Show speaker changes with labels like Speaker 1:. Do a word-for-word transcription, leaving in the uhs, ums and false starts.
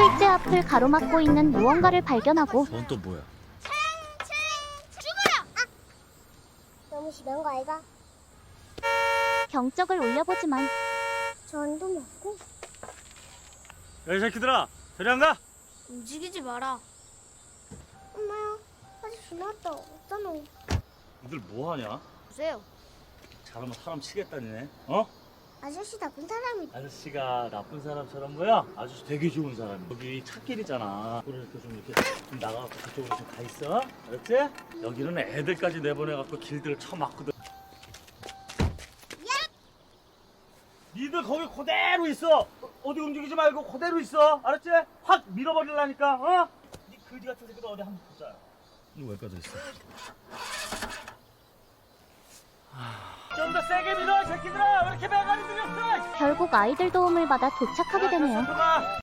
Speaker 1: 일제 앞을 가로막고 있는 무언가를 발견하고
Speaker 2: 넌 또 뭐야?
Speaker 3: 너무 심한 거 아이가?
Speaker 1: 경적을 올려보지만
Speaker 3: 전도 먹고
Speaker 2: 야, 이 새끼들아, 저리 안 가?
Speaker 3: 움직이지 마라. 엄마야, 아저씨 나왔다. 없잖아.
Speaker 2: 니들 뭐 하냐?
Speaker 3: 보세요.
Speaker 2: 잘하면 사람 치겠다니네. 어?
Speaker 3: 아저씨 나쁜 사람이.
Speaker 2: 아저씨가 나쁜 사람처럼 보여? 아저씨 되게 좋은 사람이야. 여기 찻길이잖아. 그러니까 좀 이렇게 좀 나가갖고 그쪽으로 좀 가 있어. 알았지? 여기는 애들까지 내보내갖고 길들을 쳐막거든. 니들 거기 그대로 있어. 어디 움직이지 말고 그대로 있어. 알았지? 확 밀어버리려니까. 어? 니 그지 같은 새끼도 어디 한번 보자. 이거 왜 빠져 있어? 좀 더 세게 밀어, 이 새끼들아. 왜 이렇게 배가리 들였어?
Speaker 1: 결국 아이들 도움을 받아 도착하게 되네요.
Speaker 2: 가.